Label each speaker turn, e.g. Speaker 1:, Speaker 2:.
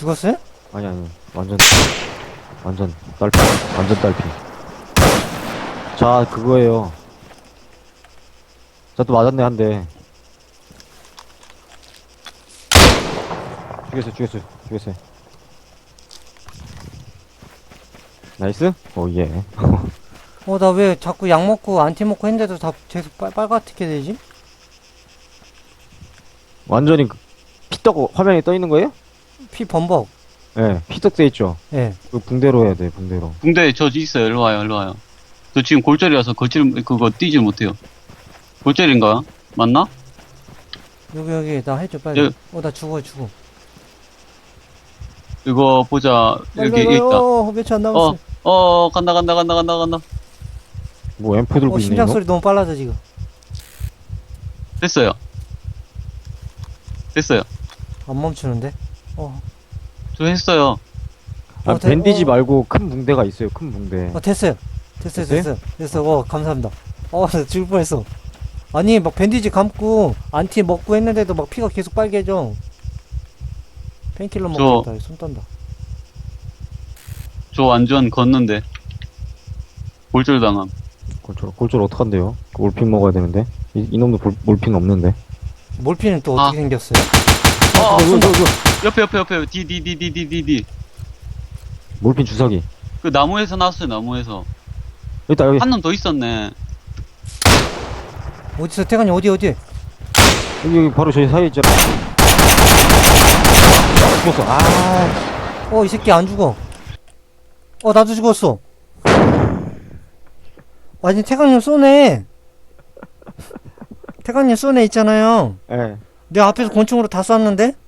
Speaker 1: 죽었어요?
Speaker 2: 아니 완전 딸피. 완전 딸피. 자 그거예요. 자 또 맞았네 한 대. 죽였어요. 나이스? 오예.
Speaker 1: 나 왜 자꾸 약 먹고 안티 먹고 했는데도 다 계속 빨갛게 되지?
Speaker 2: 완전히 피떡 화면에 떠 있는 거예요?
Speaker 1: 피 범벅.
Speaker 2: 예, 피떡 돼 있죠.
Speaker 1: 예.
Speaker 2: 그 붕대로 해야 돼, 붕대로.
Speaker 3: 붕대 저 있어요. 일로 와요. 저 지금 골절이라서 그거 뛰질 못해요. 골절인가? 맞나?
Speaker 1: 여기 나 해줘 빨리.
Speaker 3: 예.
Speaker 1: 나 죽어.
Speaker 3: 이거 보자. 여기 있다.
Speaker 1: 몇초 안 남았어.
Speaker 3: 간다.
Speaker 2: 뭐 앰프 들고 있네
Speaker 1: 심장
Speaker 2: 이거?
Speaker 1: 소리 너무 빨라져 지금.
Speaker 3: 됐어요.
Speaker 1: 안 멈추는데?
Speaker 3: 저 했어요.
Speaker 2: 아, 밴디지 말고 큰 붕대가 있어요, 큰 붕대.
Speaker 1: 됐어요. 됐어. 감사합니다. 나 죽을 뻔했어. 아니, 막 밴디지 감고, 안티 먹고 했는데도 막 피가 계속 빨개져. 페인킬러 먹겠다. 손 떤다.
Speaker 3: 저 완전 걷는데. 골절 당함.
Speaker 2: 골절 어떡한데요? 몰핀 먹어야 되는데. 이놈도 몰핀 없는데.
Speaker 1: 몰피는 또 어떻게 생겼어요?
Speaker 3: 옆에. D.
Speaker 2: 몰핀 주사기.
Speaker 3: 그 나무에서 나왔어요, 나무에서.
Speaker 2: 여기.
Speaker 3: 한 놈 더 있었네.
Speaker 1: 어디서, 태관이 어디?
Speaker 2: 여기 바로 저희 사이에 있잖아. 죽었어.
Speaker 1: 이 새끼 안 죽어. 나도 죽었어. 아니, 태관님 쏘네. 태관님 쏘네 있잖아요.
Speaker 2: 예.
Speaker 1: 내 앞에서 권총으로 다 쐈는데?